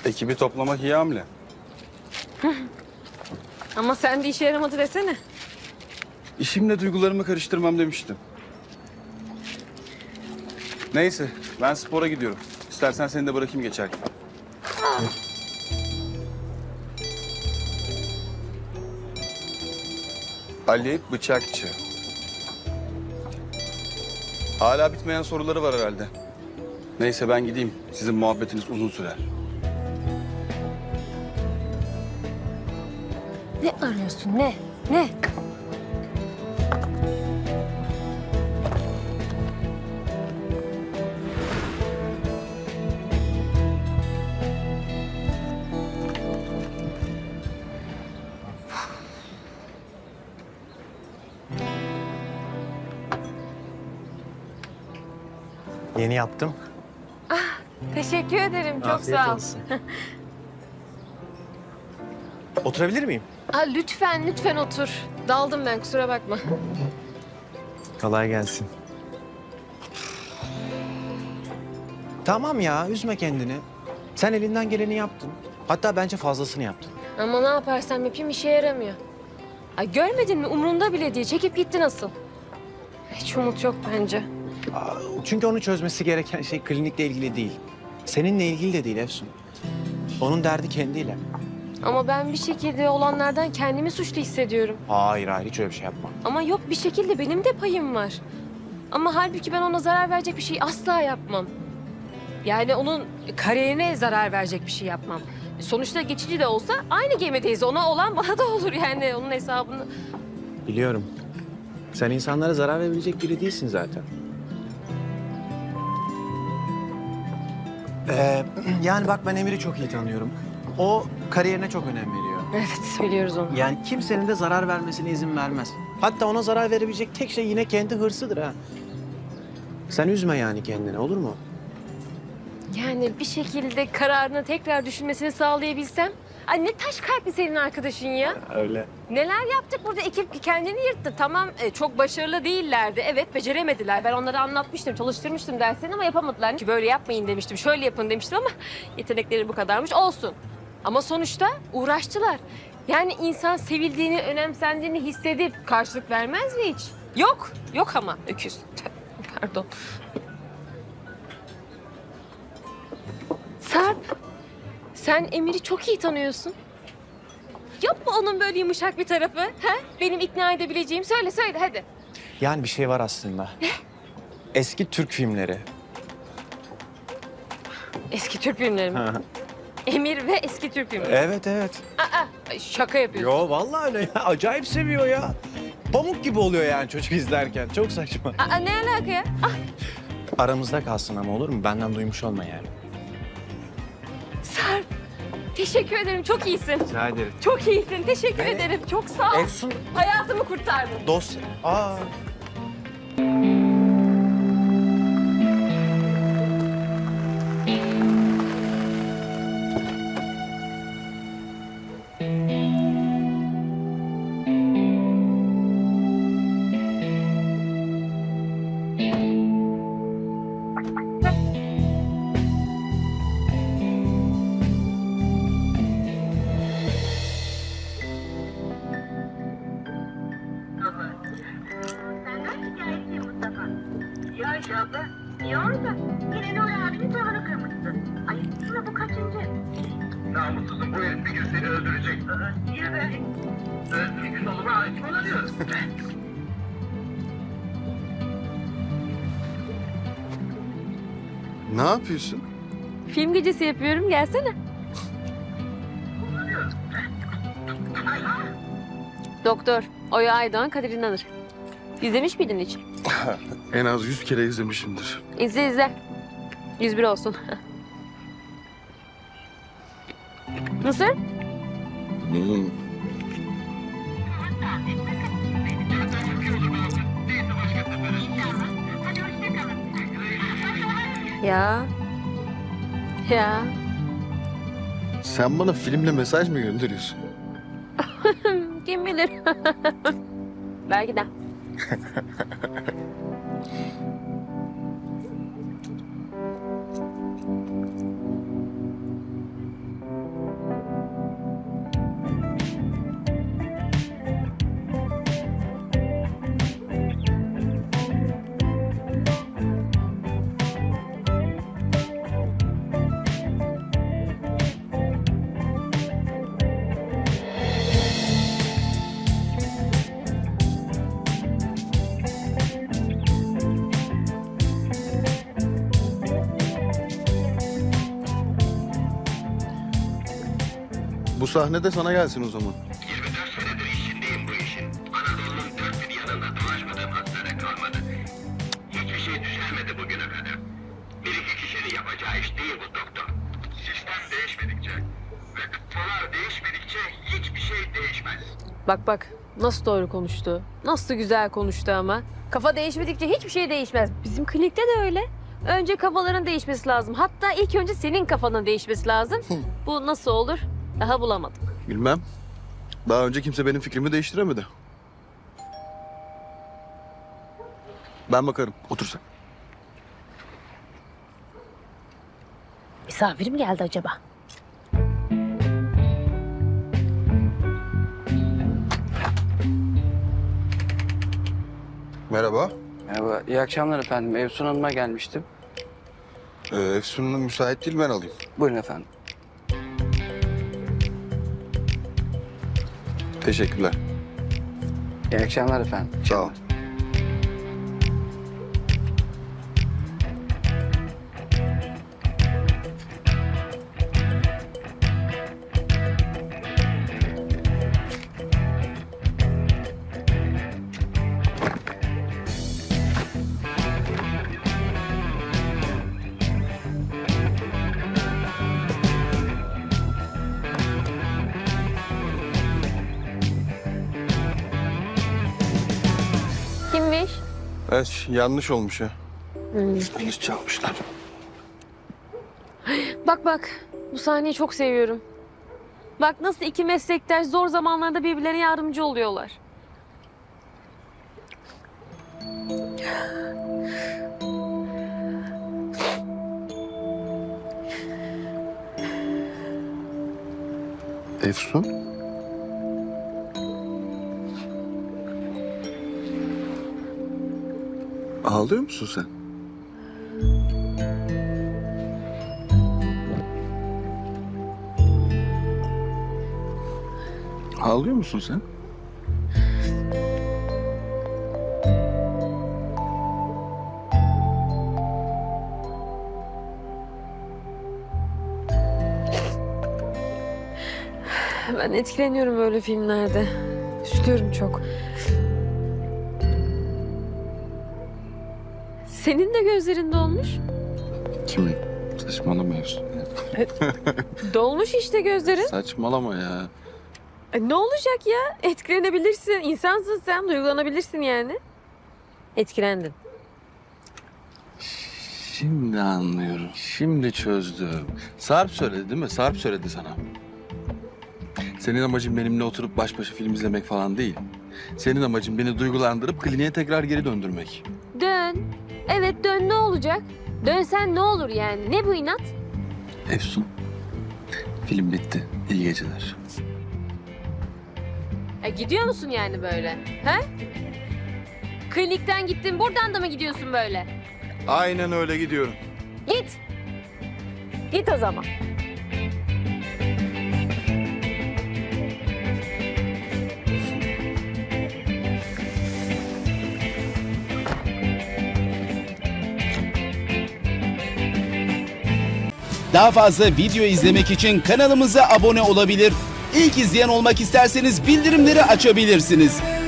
Ekibi toplamak iyi hamle. Ama sen de işe yaramadı desene. İşimle duygularımı karıştırmam demiştim. Neyse, ben spora gidiyorum. İstersen seni de bırakayım geçerken. Ali Bıçakçı. Hala bitmeyen soruları var herhalde. Neyse ben gideyim. Sizin muhabbetiniz uzun sürer. Ne arıyorsun ne? Ne? Yeni yaptım. Teşekkür ederim. Çok Afiyet sağ ol. olsun. Oturabilir miyim? Lütfen lütfen otur. Daldım ben kusura bakma. Kolay gelsin. Tamam ya, üzme kendini. Sen elinden geleni yaptın. Hatta bence fazlasını yaptın. Ama ne yaparsam yapayım işe yaramıyor. Ay görmedin mi umrunda bile değil. Çekip gitti nasıl? Hiç umut yok bence. Çünkü onu çözmesi gereken şey klinikle ilgili değil. Seninle ilgili de değil Efsun. Onun derdi kendiyle. Ama ben bir şekilde olanlardan kendimi suçlu hissediyorum. Hayır, hiç öyle bir şey yapma. Ama yok bir şekilde benim de payım var. Ama halbuki ben ona zarar verecek bir şey asla yapmam. Yani onun kariyerine zarar verecek bir şey yapmam. Sonuçta geçici de olsa aynı gemideyiz. Ona olan bana da olur yani onun hesabını. Biliyorum. Sen insanlara zarar verebilecek biri değilsin zaten. Yani bak ben Emir'i çok iyi tanıyorum. O kariyerine çok önem veriyor. Evet biliyoruz onu. Yani kimsenin de zarar vermesine izin vermez. Hatta ona zarar verebilecek tek şey yine kendi hırsıdır ha. Sen üzme yani kendini, olur mu? Yani bir şekilde kararını tekrar düşünmesini sağlayabilsem. Ay ne taş kalpli senin arkadaşın ya. Öyle. Neler yaptık burada ekip kendini yırttı. Tamam çok başarılı değillerdi. Evet beceremediler. Ben onlara anlatmıştım, çalıştırmıştım derslerini ama yapamadılar. Ki böyle yapmayın demiştim, şöyle yapın demiştim ama yetenekleri bu kadarmış. Olsun. Ama sonuçta uğraştılar. Yani insan sevildiğini, önemsendiğini hissedip karşılık vermez mi hiç? Yok. Yok ama öküz. Pardon. Sarp, sen Emir'i çok iyi tanıyorsun. Yok mu onun böyle yumuşak bir tarafı? Ha? Benim ikna edebileceğim. Söyle söyle hadi. Yani bir şey var aslında. Eski Türk filmleri. Eski Türk filmleri mi? Emir ve eski Türk filmleri. Evet, evet. Ay, şaka yapıyorsun. Yo vallahi öyle ya. Acayip seviyor ya. Pamuk gibi oluyor yani çocuk izlerken. Çok saçma. Ne alaka ya? Aramızda kalsın ama olur mu? Benden duymuş olma yani. Sarp, teşekkür ederim. Çok iyisin. Rica ederim. Çok iyisin. Teşekkür ederim. Çok sağ ol. Efsun Hayatımı kurtardın. dosya. Senden şikayetçiyim Mustafa. Ya Ayşe abla, niye orada? Yine Nuri abinin tavanı kırmışsın. Ayıp değil mi bu kaçıncı? Namussuzum, bu herif bir gün seni öldürecek. Niye be? Bir gün oluma hakim olamıyorum. Ne yapıyorsun? Film gecesi yapıyorum. Gelsene. Doktor Oya Aydoğan, Kadir İnanır. İzlemiş miydin hiç? En az 100 kere izlemişimdir. İzle izle. 101 olsun. Nasıl? Ya. Ya. Sen bana filmle mesaj mı gönderiyorsun? Kim bilir? Belki de. sahne de sana gelsin o zaman. 24 senedir içindeyim bu işin. Anadolu'nun dört bir yanında dolaşmadığım hastane kalmadı. Hiçbir şey düzelmedi bugüne kadar. Bir iki kişinin yapacağı iş değil bu doktor. Sistem değişmedikçe ve kafalar değişmedikçe hiçbir şey değişmez. Bak bak nasıl doğru konuştu. Nasıl güzel konuştu ama. Kafa değişmedikçe hiçbir şey değişmez. Bizim klinikte de öyle. Önce kafaların değişmesi lazım. Hatta ilk önce senin kafanın değişmesi lazım. Bu nasıl olur? Daha bulamadım. Bilmem. Daha önce kimse benim fikrimi değiştiremedi. Ben bakarım. Otur sen. Misafir mi geldi acaba? Merhaba. Merhaba, iyi akşamlar efendim. Efsun Hanım'a gelmiştim. Efsun Hanım müsait değil, ben alayım. Buyurun efendim. Teşekkürler. İyi akşamlar efendim. Sağ ol. Kimmiş? Evet, yanlış olmuş ya. Yanlış çalmışlar. Bak bak bu sahneyi çok seviyorum. Bak nasıl iki meslektaş zor zamanlarda birbirlerine yardımcı oluyorlar. Efsun? Ağlıyor musun sen? Ağlıyor musun sen? Ben etkileniyorum böyle filmlerde. Üzülüyorum çok. Senin de gözlerin dolmuş. Kimin? Saçmalama Efsun. Dolmuş işte gözlerin. Saçmalama ya. Ne olacak ya? Etkilenebilirsin. İnsansın sen. Duygulanabilirsin yani. Etkilendin. Şimdi anlıyorum. Şimdi çözdüm. Sarp söyledi değil mi? Sarp söyledi sana. Senin amacın benimle oturup baş başa film izlemek falan değil. Senin amacın beni duygulandırıp kliniğe tekrar geri döndürmek. Dön. Evet dön ne olacak? Dönsen ne olur yani? Ne bu inat? Efsun, film bitti. İyi geceler. Gidiyor musun yani böyle? He? Klinikten gittin buradan da mı gidiyorsun böyle? Aynen öyle gidiyorum. Git. Git o zaman. Daha fazla video izlemek için kanalımıza abone olabilir. İlk izleyen olmak isterseniz bildirimleri açabilirsiniz.